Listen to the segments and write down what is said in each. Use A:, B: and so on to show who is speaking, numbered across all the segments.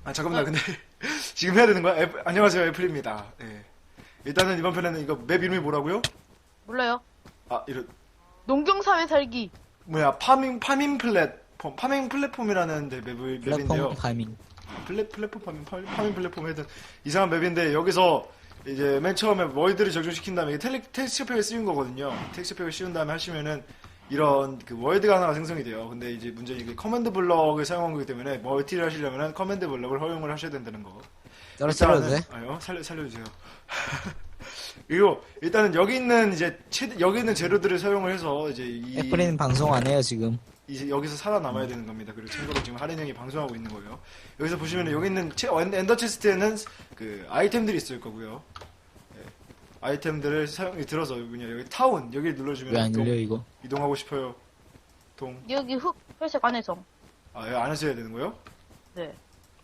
A: 아, 잠깐만, 근데, 지금 해야 되는 거야? 안녕하세요, 애플입니다. 예. 일단은 이번 편에는 이거 맵 이름이 뭐라고요?
B: 몰라요.
A: 아,
B: 농경사회 살기.
A: 파밍 플랫폼이라는 맵인데요.
C: 플랫폼 파밍.
A: 파밍 플랫폼 하여튼 이상한 맵인데, 여기서 이제 맨 처음에 월드를 적용시킨 다음에 이게 텍스처팩을 씌운 거거든요. 텍스처팩을 씌운 다음에 하시면은 이런 그 월드가 하나가 생성이 돼요. 근데 이제 문제는 이게 커맨드 블럭을 사용한 거기 때문에 멀티를 하시려면은 커맨드 블럭을 허용을 하셔야 된다는 거.
C: 떨어뜨려도 돼?
A: 아니요, 살려주세요. 그리고 일단은 여기 있는 여기 있는 재료들을 사용을 해서 이제
C: 애플이는 방송 안 해요 지금.
A: 이제 여기서 살아남아야 되는 겁니다. 그리고 참고로 지금 하린 형이 방송하고 있는 거예요. 여기서 보시면 여기 있는 엔더 체스트에는 그 아이템들이 있을 거고요. 예. 아이템들을 들어서 여기 타운 여기를 눌러주면
C: 왜 안 열려 이거?
A: 이동하고 싶어요.
B: 여기 회색 안에서.
A: 아, 여기 안에서 해야 되는 거예요?
B: 네.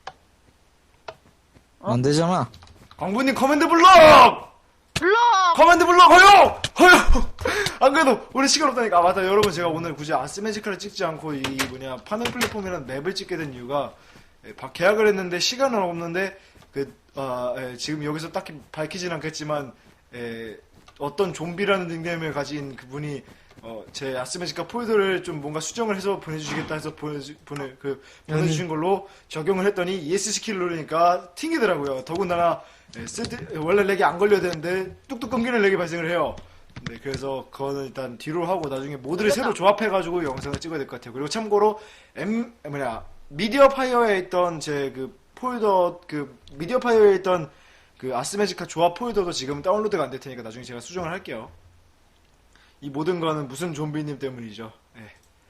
C: 안 되잖아.
A: 광부님 커맨드 블럭!
B: 블럭!
A: 커맨드 블럭 허용! 안 그래도 우리 시간 없다니까. 아, 맞다. 여러분, 제가 오늘 굳이 아스메지카를 찍지 않고 파밍 플랫폼이라는 맵을 찍게 된 이유가, 계약을 했는데 시간은 없는데 지금 여기서 딱히 밝히진 않겠지만, 어떤 좀비라는 닉네임을 가진 그분이 제 아스메지카 폴더를 좀 뭔가 수정을 해서 보내주시겠다 해서 보내주신 걸로 적용을 했더니 ESC키를 누르니까 튕기더라고요. 더군다나 원래 렉이 안 걸려야 되는데 뚝뚝 끊기는 렉이 발생을 해요. 네, 그래서 그거는 일단 뒤로 하고 나중에 모드를 새로 조합해가지고 영상을 찍어야 될 것 같아요. 그리고 참고로 미디어 파이어에 있던 제 미디어 파이어에 있던 그 아스메지카 조합 폴더도 지금 다운로드가 안 될 테니까 나중에 제가 수정을 할게요. 이 모든 거는 무슨 좀비님 때문이죠. 네.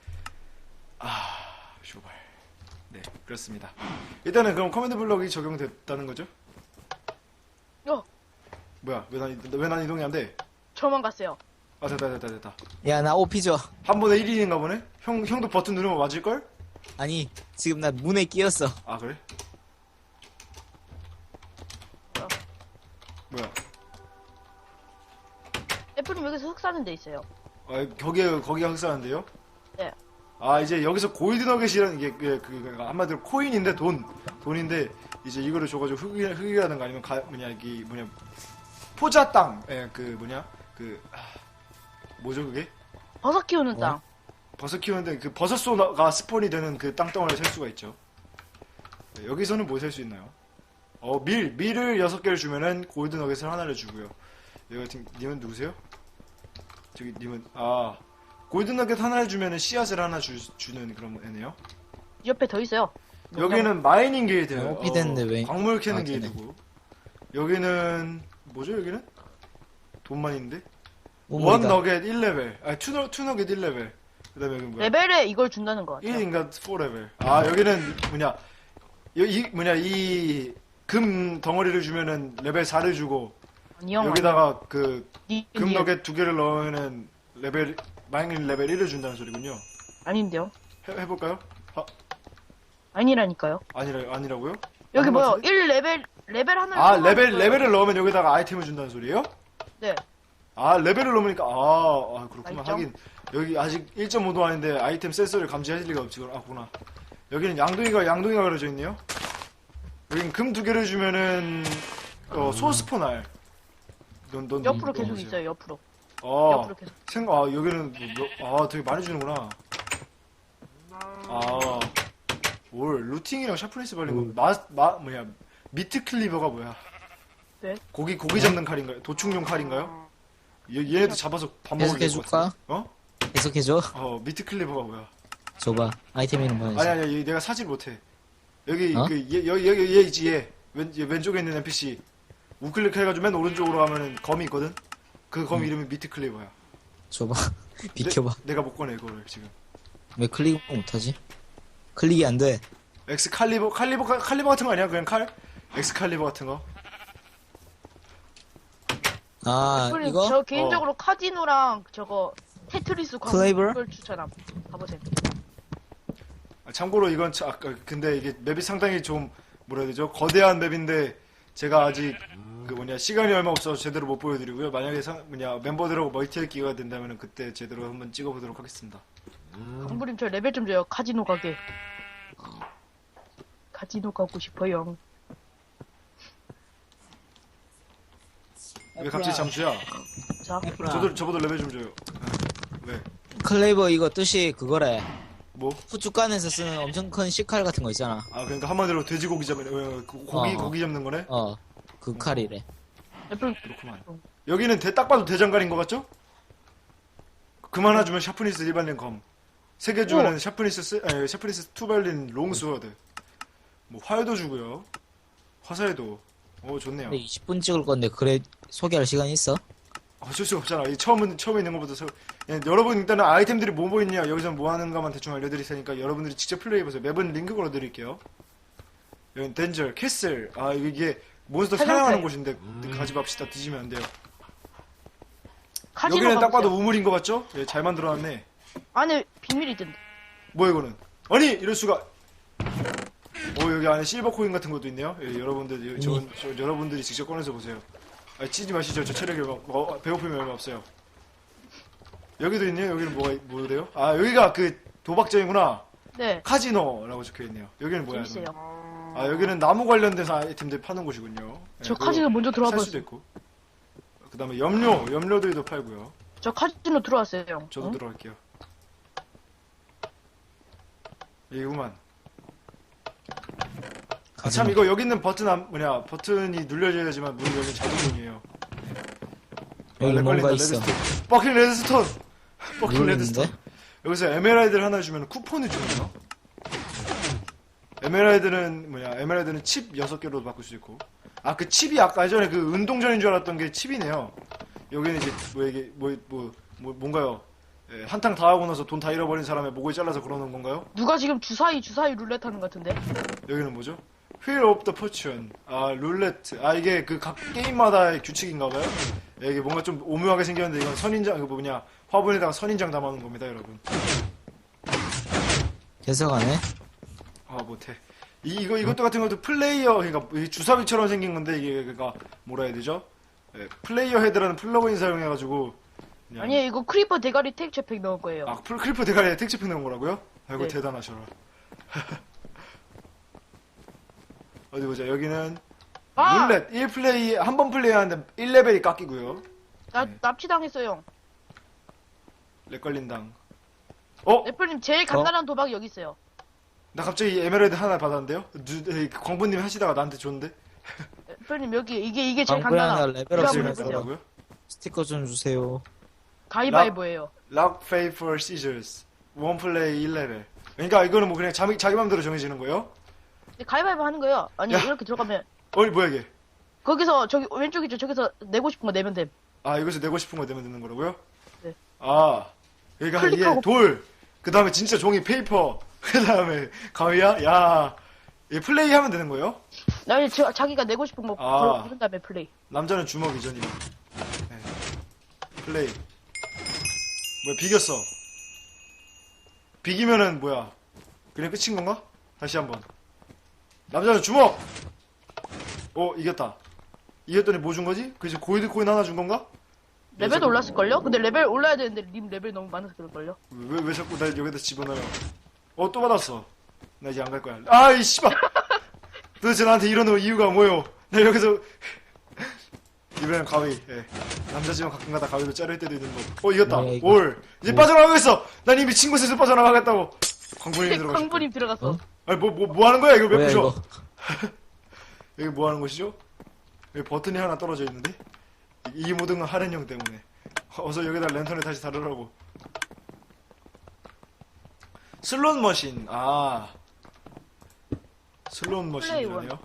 A: 쇼발. 네, 그렇습니다. 일단은 그럼 커맨드 블럭이 적용됐다는 거죠? 뭐야, 왜 난 이동이 안 돼?
B: 저만 갔어요.
A: 아, 됐다.
C: 야 나 오피 줘.
A: 한 번에 1인인가 보네? 형도 버튼 누르면 맞을걸?
C: 아니 지금 나 문에 끼었어.
A: 아, 그래? 뭐야?
B: 애플님 여기서 흙 사는 데 있어요.
A: 아, 거기가 흑사한데요?
B: 네.
A: 아, 이제 여기서 골드 너겟이라는 게, 한마디로 코인인데 돈인데, 이제 이거를 줘가지고 흙이라든가 아니면 포자 땅, 뭐죠 그게?
B: 버섯 키우는
C: 뭐?
B: 땅.
A: 버섯 키우는데 그 버섯소가 스폰이 되는 그 땅덩어리를 살 수가 있죠. 네, 여기서는 뭐 살 수 있나요? 밀을 6개를 주면은 골드 너겟을 하나를 주고요. 님은 누구세요? 저기 님은 골드 너겟 하나를 주면은 씨앗을 하나 주는 그런 애네요.
B: 옆에 더 있어요.
A: 여기는 마이닝 게이트예요.
C: 오피 됐는데 왜?
A: 광물 캐는
C: 되네.
A: 게이트고. 여기는 뭐죠 여기는? 돈만 있는데? 원
C: 오물이다.
A: 너겟 1레벨. 투 너겟 1레벨. 그다음에 여기 뭐야?
B: 레벨에 이걸 준다는 것 같아요.
A: 1인가 4레벨. 여기는 이 금 덩어리를 주면은 레벨 4를 주고
B: 아니요.
A: 여기다가 금
B: 아니요.
A: 너겟 2개를 넣으면은 마이닝 레벨 1을 준다는 소리군요.
B: 아닌데요.
A: 해볼까요?
B: 아니라니까요.
A: 아니라고요?
B: 여기
A: 아닌 것
B: 뭐요?
A: 같은데?
B: 레벨 하나를
A: 레벨을 넣으면 여기다가 아이템을 준다는 소리예요?
B: 네.
A: 레벨을 넣으니까 그렇구나.
B: 알죠?
A: 하긴 여기 아직 1.5도 아닌데 아이템 센서를 감지할 리가 없지. 구나. 여기는 양동이가 그려져 있네요. 여긴 금 2개를 주면은 소스포날. 넌
B: 옆으로 계속
A: 누구세요?
B: 있어요. 옆으로. 옆으로 계속.
A: 여기는 되게 많이 주는구나. 루팅이랑 샤프니스 발린 거. 미트 클리버가 뭐야?
B: 네.
A: 고기 잡는 칼인가요? 도축용 칼인가요? 얘네도 잡아서 밥 먹을
C: 계속해줄까? 계속해줘.
A: 미트 클리버가 뭐야?
C: 줘봐. 아이템 이름 뭐야?
A: 아니, 얘가 사질 못해. 여기,
C: 어?
A: 얘 있지, 얘. 왼쪽에 있는 NPC. 우클릭 해가지고 맨 오른쪽으로 가면은 검이 있거든? 그 검 이름이 미트 클리버야.
C: 줘봐. 비켜봐.
A: 내가 못 꺼내, 이거를, 지금.
C: 왜 클릭 못하지? 클릭이 안 돼.
A: 칼리버 같은 거 아니야? 그냥 칼? 엑스칼리버 같은 거?
B: 애플님,
C: 이거?
B: 저 개인적으로 카지노랑 저거 테트리스
C: 클레이버?
B: 광고를 추천함. 가보세요.
A: 참고로 이건, 근데 이게 맵이 상당히 좀, 뭐라 해야 되죠? 거대한 맵인데, 제가 아직, 시간이 얼마 없어서 제대로 못 보여드리고요. 만약에 멤버들하고 멀티할 기회가 된다면 그때 제대로 한번 찍어보도록 하겠습니다.
B: 강부님 저 레벨 좀 줘요. 카지노 가게. 카지노 가고 싶어요.
A: 왜 갑자기 잠수야?
B: 자,
A: 저보다 레벨 좀 줘요. 왜?
C: 클레이버 이거 뜻이 그거래.
A: 뭐?
C: 후춧간에서 쓰는 엄청 큰 식칼 같은 거 있잖아.
A: 아 그러니까 한마디로 돼지고기 잡는 고기 잡는 거네?
C: 그 칼이래.
B: 애플
A: 그렇구만. 여기는 딱 봐도 대장간인 것 같죠? 그만 하주면 샤프니스 일반인 검. 세 개 주면은 샤프니스 투발린 롱스워드. 뭐 활도 주고요. 화살도. 오 좋네요.
C: 근데 20분 찍을 건데 그래 소개할 시간 있어?
A: 어쩔 수가 없잖아. 이 처음에 있는 것부터 여러분 일단은 아이템들이 뭐 있냐 여기서 뭐 하는가만 대충 알려드릴 테니까 여러분들이 직접 플레이해보세요. 맵은 링크 걸어드릴게요. 여기 덴저, 캐슬. 아 이게 몬스터 사냥하는 곳인데 가지 맙시다. 뒤지면 안 돼요.
B: 카지노
A: 여기는 딱
B: 가보세요.
A: 봐도 우물인 것 같죠? 예, 잘 만들어놨네.
B: 안에 비밀이 있던데.
A: 뭐야 이거는? 아니 이럴 수가. 여기 안에 실버 코인 같은 것도 있네요. 예, 여러분들 여러분들이 직접 꺼내서 보세요. 아 찌지 마시죠. 저 체력이 배고픔이 얼마 없어요. 여기도 있네요. 여기는 뭐래요? 아 여기가 그 도박장이구나.
B: 네.
A: 카지노라고 적혀있네요. 여기는 뭐야?
B: 재밌어요.
A: 아 여기는 나무 관련된 아이템들 파는 곳이군요.
B: 저
A: 그거
B: 카지노 먼저 들어와
A: 살 수도
B: 봤어요.
A: 있고. 그 다음에 염료들도 팔고요.
B: 저 카지노 들어왔어요.
A: 저도
B: 응?
A: 들어갈게요. 이구만. 아, 참 이거 여기 있는 버튼이 눌려져야지만 문이 열리는 자동문이에요.
C: 여기 뭔가 있어.
A: 버킹 레드스톤. 버킹
C: 모르겠는데?
A: 레드스톤. 여기서 에메랄드를 하나 주면 쿠폰을 주네요. 에메랄드는 칩 6개로 바꿀 수 있고. 아 그 칩이 아까 예전에 그 운동전인 줄 알았던 게 칩이네요. 여기는 이제 뭔가요? 예, 한탕 다 하고 나서 돈 다 잃어버린 사람의 목을 잘라서 걸어놓은 건가요?
B: 누가 지금 주사위 룰렛 하는 것 같은데?
A: 여기는 뭐죠? Wheel of the Fortune. 아, 룰레트. 아, 이게 그 각 게임마다의 규칙인가봐요? 예, 이게 뭔가 좀 오묘하게 생겼는데 이건 선인장, 화분에다가 선인장 담아놓은 겁니다, 여러분.
C: 계속하네.
A: 아, 못해. 이것도 같은 것도 그러니까 주사위처럼 생긴 건데 이게 그러니까 뭐라 해야 되죠? 예, 플레이어 헤드라는 플러그인 사용해가지고 그냥
B: 아니에요, 이거 크리퍼 대가리 택배팩 넣을 거예요.
A: 아, 크리퍼 대가리에 택시팩 넣은 거라고요? 아이고,
B: 네.
A: 대단하셔라. 어디 보자. 여기는
B: 아!
A: 룰렛 1플레이 한 번 플레이하는데 1레벨이 깎이고요.
B: 납치당했어요.
A: 렉 걸린당.
B: 애플님 제일 간단한 도박이 여기 있어요.
A: 나 갑자기 에메랄드 하나 받았는데요? 광부님 하시다가 나한테 줬는데?
B: 애플님 여기 이게 제일
C: 광고에 하나
B: 간단한.
C: 레벨업
B: 이거
C: 지금
B: 한번 해보세요.
A: 뭐라고요?
C: 스티커 좀 주세요.
B: 가위바위보예요.
A: Rock, Paper, Scissors. 원 플레이 1레벨. 그러니까 이거는 뭐 그냥 자기 맘대로 정해지는 거예요?
B: 가위바위보 하는 거예요. 아니
A: 야.
B: 이렇게 들어가면
A: 뭐야 이게?
B: 거기서 저기 왼쪽이죠. 저기서 내고 싶은 거 내면 됨.
A: 아, 여기서 내고 싶은 거 내면 되는 거라고요?
B: 네.
A: 아, 그러니까 이게
B: 클릭하고.
A: 돌, 그 다음에 진짜 종이 페이퍼, 그 다음에 가위야? 야, 이게 플레이 하면 되는 거예요?
B: 아니 자기가 내고 싶은 거
A: 아.
B: 고른 다음에 플레이.
A: 남자는 주먹이죠, 니. 네. 플레이. 뭐야, 비겼어. 비기면은 뭐야? 그냥 끝인 건가? 다시 한번. 남자는 주먹! 이겼다. 이겼더니 뭐 준 거지? 그래서 골드 코인 하나 준 건가?
B: 레벨도 올랐을걸요? 근데 레벨 올라야 되는데 님 레벨 너무 많아서 그럴걸요?
A: 왜 자꾸 날 여기다 집어넣어요? 또 받았어. 나 이제 안 갈 거야. 아이, 씨발! 도대체 나한테 이러는 이유가 뭐요? 나 여기서. 이번엔 가위, 예. 남자지만 가끔가다 가위로 자를 때도 있는 법. 이겼다.
C: 뭐야, 이거.
A: 올. 이제 빠져나가겠어! 난 이미 친구 셋을 빠져나가겠다고! 광분이 들어가셨고.
B: 광부님 들어갔어.
A: 아니, 뭐 하는 거야? 이걸 왜
C: 뭐야
A: 부셔?
C: 이거?
A: 여기 뭐 하는 것이죠? 여기 버튼이 하나 떨어져 있는데? 이 모든 건 하렌형 때문에. 어서 여기다 랜턴을 다시 다루라고. 슬롯 머신. 슬롯 머신이라네요.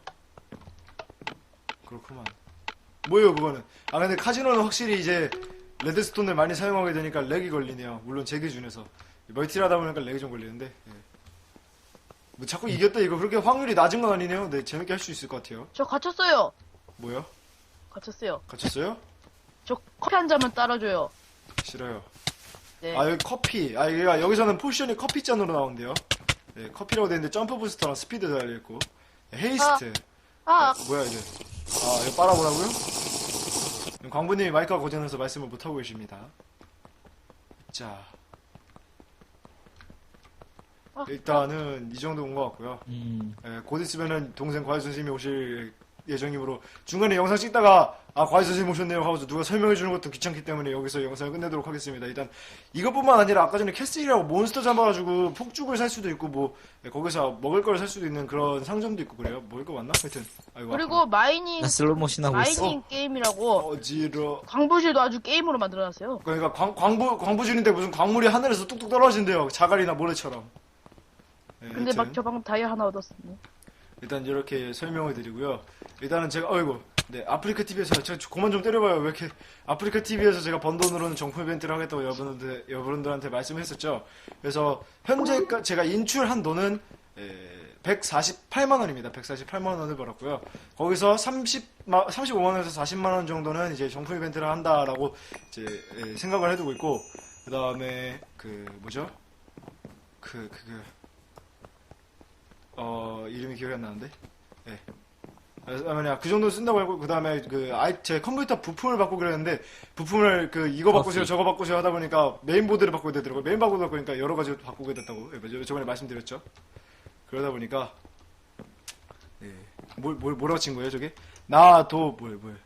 A: 그렇구만. 뭐예요 그거는? 근데 카지노는 확실히 이제 레드스톤을 많이 사용하게 되니까 렉이 걸리네요. 물론 제 기준에서. 멀티를 하다 보니까 렉이 좀 걸리는데. 예. 뭐 자꾸 이겼다 이거 그렇게 확률이 낮은 건 아니네요. 네, 재밌게 할 수 있을 것 같아요.
B: 저 갇혔어요.
A: 뭐요?
B: 갇혔어요.
A: 갇혔어요?
B: 저 커피 한 잔만 따라줘요.
A: 싫어요.
B: 네.
A: 여기 커피. 여기서는 포션이 커피잔으로 나온대요. 네, 커피라고 되는데 점프 부스터랑 스피드 달려있고. 헤이스트. 뭐야, 이게. 이거 빨아보라고요? 광부님이 마이크가 고장나서 말씀을 못하고 계십니다. 자. 일단은 이 정도 온 것 같고요.
C: 음.
A: 예, 곧 있으면은 동생 과외 선생님이 오실 예정이므로 중간에 영상 찍다가 과외 선생님 오셨네요 하고서 누가 설명해 주는 것도 귀찮기 때문에 여기서 영상을 끝내도록 하겠습니다. 일단 이것뿐만 아니라 아까 전에 캐슬이라고 몬스터 잡아가지고 폭죽을 살 수도 있고 뭐 거기서 먹을 걸 살 수도 있는 그런 상점도 있고 그래요. 먹을 거 맞나? 하여튼 아이고
B: 그리고 마이닝
C: 나 슬로모션 하고 있어.
B: 마이닝 게임이라고
A: 어지러.
B: 광부실도 아주 게임으로 만들어놨어요.
A: 그러니까 광부실인데 무슨 광물이 하늘에서 뚝뚝 떨어진대요. 자갈이나 모래처럼. 예,
B: 근데 막
A: 하여튼.
B: 저 방금 다이아 하나 얻었습니다.
A: 일단 이렇게 설명을 드리고요. 일단은 제가 네 아프리카 TV에서 제가 그만 좀 때려봐요. 왜 이렇게 아프리카 TV에서 제가 번 돈으로는 정품 이벤트를 하겠다고 여러분들한테 말씀했었죠. 그래서 현재 제가 인출한 돈은 148만 원입니다. 148만 원을 벌었고요. 거기서 35만 원에서 40만 원 정도는 이제 정품 이벤트를 한다라고 이제 생각을 해두고 있고, 그 다음에 이름이 기억이 안 나는데? 예. 그 정도 쓴다고 하고, 그 다음에 제 컴퓨터 부품을 바꾸기로 했는데, 부품을 이거 바꾸세요, 저거 바꾸세요 하다 보니까 메인보드를 바꾸게 되더라고요. 메인보드 바꾸니까 여러 가지 바꾸게 됐다고. 예, 저번에 말씀드렸죠. 그러다 보니까, 예. 뭐라고 친 거예요, 저게? 나도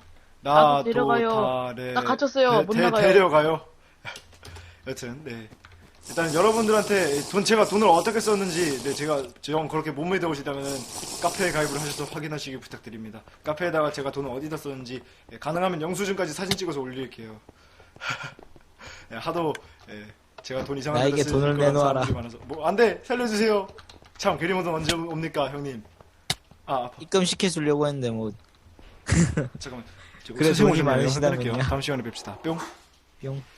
B: 데려가요. 나 갇혔어요. 못 나가요.
A: 데려가요. 여튼, 네. 일단 여러분들한테 제가 돈을 어떻게 썼는지 제가 그렇게 못 믿어보시다면은 카페에 가입을 하셔서 확인하시길 부탁드립니다. 카페에다가 제가 돈을 어디다 썼는지 가능하면 영수증까지 사진 찍어서 올릴게요. 하도 제가 돈 이상한
C: 나에게
A: 데다
C: 돈을
A: 쓰는 그런
C: 내놓아라.
A: 사람들이 많아서 안돼 살려주세요. 참 게리모드 언제 옵니까 형님? 아파.
C: 입금 시켜주려고 했는데 뭐
A: 잠깐만.
C: 그래,
A: 선생님
C: 돈이
A: 오시면
C: 많으시다면요.
A: 끊을게요. 다음 시간에 뵙시다. 뿅.
C: 뿅.